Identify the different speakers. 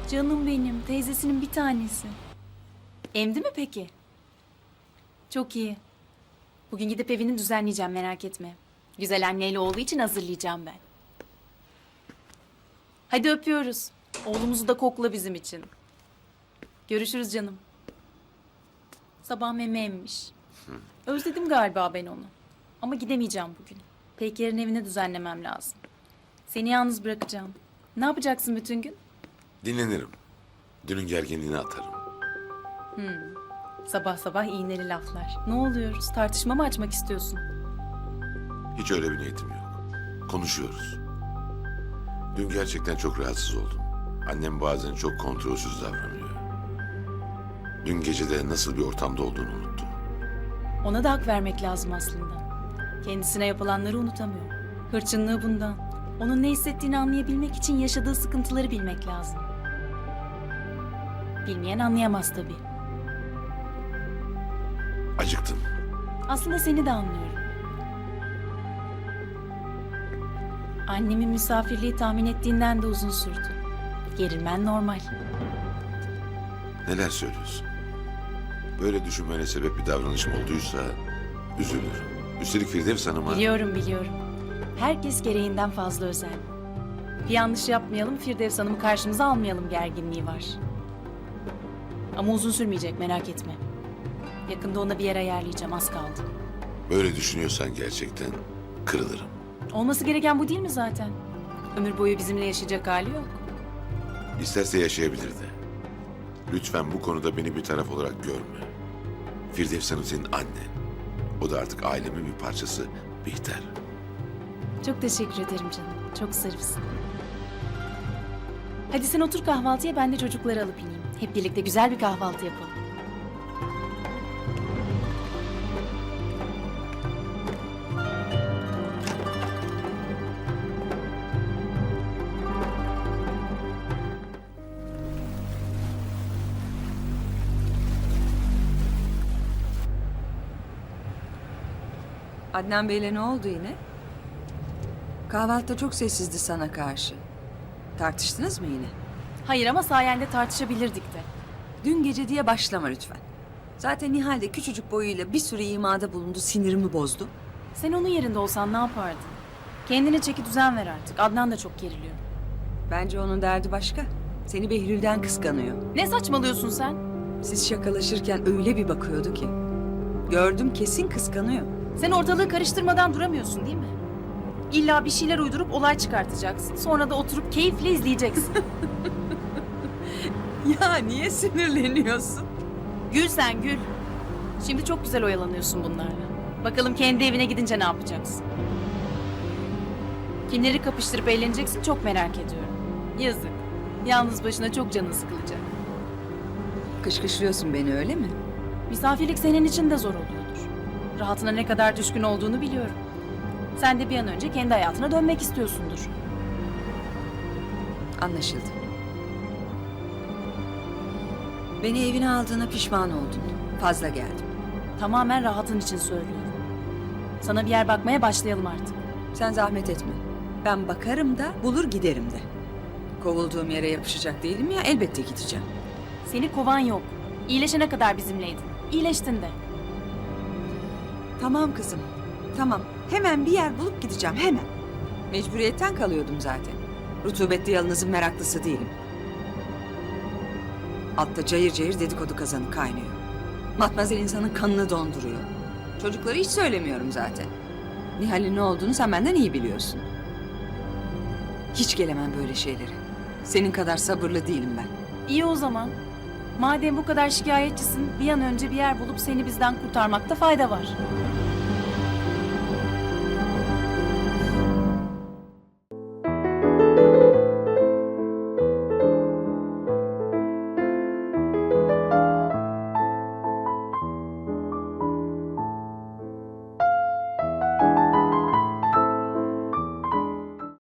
Speaker 1: Canım benim, teyzesinin bir tanesi. Emdi mi peki? Çok iyi. Bugün gidip evini düzenleyeceğim, merak etme. Güzel anneyle olduğu için hazırlayacağım ben. Hadi öpüyoruz. Oğlumuzu da kokla bizim için. Görüşürüz canım. Sabah meme emmiş. Özledim galiba ben onu. Ama gidemeyeceğim bugün. Peyker'in evini düzenlemem lazım. Seni yalnız bırakacağım. Ne yapacaksın bütün gün?
Speaker 2: Dinlenirim. Dünün gerginliğini atarım.
Speaker 1: Sabah sabah iğneli laflar. Ne oluyoruz? Tartışma mı açmak istiyorsun?
Speaker 2: Hiç öyle bir niyetim yok. Konuşuyoruz. Dün gerçekten çok rahatsız oldum. Annem bazen çok kontrolsüz davranıyor. Dün gece de nasıl bir ortamda olduğunu unuttum.
Speaker 1: Ona da hak vermek lazım aslında. Kendisine yapılanları unutamıyor. Hırçınlığı bundan. Onun ne hissettiğini anlayabilmek için yaşadığı sıkıntıları bilmek lazım. Bilmeyen anlayamaz tabii.
Speaker 2: Acıktım.
Speaker 1: Aslında seni de anlıyorum. Annemin misafirliği tahmin ettiğinden de uzun sürdü. Gerilmen normal.
Speaker 2: Neler söylüyorsun? Böyle düşünmene sebep bir davranışım olduysa üzülürüm. Üstelik Firdevs Hanım'a...
Speaker 1: Biliyorum. Herkes gereğinden fazla özel. Bir yanlış yapmayalım, Firdevs Hanım'ı karşımıza almayalım gerginliği var. Ama uzun sürmeyecek, merak etme. Yakında ona bir yer ayarlayacağım, az kaldı.
Speaker 2: Böyle düşünüyorsan gerçekten kırılırım.
Speaker 1: Olması gereken bu değil mi zaten? Ömür boyu bizimle yaşayacak hali yok.
Speaker 2: İsterse yaşayabilir de. Lütfen bu konuda beni bir taraf olarak görme. Firdevs Hanım senin annen. O da artık ailemin bir parçası. Bihter.
Speaker 1: Çok teşekkür ederim canım, çok zarifsin. Hadi sen otur kahvaltıya, ben de çocukları alıp ineyim. Hep birlikte güzel bir kahvaltı yapalım.
Speaker 3: Adnan Bey'le ne oldu yine? Kahvaltıda çok sessizdi sana karşı. Tartıştınız mı yine?
Speaker 1: Hayır ama sayende tartışabilirdik de.
Speaker 3: Dün gece diye başlama lütfen. Zaten Nihal de küçücük boyuyla bir sürü imada bulundu, sinirimi bozdu.
Speaker 1: Sen onun yerinde olsan ne yapardın? Kendine çeki düzen ver artık. Adnan da çok geriliyor.
Speaker 3: Bence onun derdi başka. Seni Behlül'den kıskanıyor.
Speaker 1: Ne saçmalıyorsun sen?
Speaker 3: Siz şakalaşırken öyle bir bakıyordu ki. Gördüm, kesin kıskanıyor.
Speaker 1: Sen ortalığı karıştırmadan duramıyorsun değil mi? İlla bir şeyler uydurup olay çıkartacaksın. Sonra da oturup keyifle izleyeceksin.
Speaker 3: Ya niye sinirleniyorsun?
Speaker 1: Gül sen gül. Şimdi çok güzel oyalanıyorsun bunlarla. Bakalım kendi evine gidince ne yapacaksın? Kimleri kapıştırıp eğleneceksin çok merak ediyorum. Yazık. Yalnız başına çok canın sıkılacak.
Speaker 3: Kışkışlıyorsun beni öyle mi?
Speaker 1: Misafirlik senin için de zor oluyordur. Rahatına ne kadar düşkün olduğunu biliyorum. Sen de bir an önce kendi hayatına dönmek istiyorsundur.
Speaker 3: Anlaşıldı. Beni evine aldığına pişman oldun. Fazla geldim.
Speaker 1: Tamamen rahatın için söylüyorum. Sana bir yer bakmaya başlayalım artık.
Speaker 3: Sen zahmet etme. Ben bakarım da bulur giderim de. Kovulduğum yere yapışacak değilim ya, elbette gideceğim.
Speaker 1: Seni kovan yok. İyileşene kadar bizimleydin. İyileştin de.
Speaker 3: Tamam kızım, tamam. Hemen bir yer bulup gideceğim, hemen. Mecburiyetten kalıyordum zaten. Rutubetli yalınızın meraklısı değilim. Altta cayır cayır dedikodu kazanı kaynıyor. Matmazel insanın kanını donduruyor. Çocukları hiç söylemiyorum zaten. Nihal'in ne olduğunu sen benden iyi biliyorsun. Hiç gelemem böyle şeylere. Senin kadar sabırlı değilim ben.
Speaker 1: İyi o zaman. Madem bu kadar şikayetçisin, bir an önce bir yer bulup seni bizden kurtarmakta fayda var.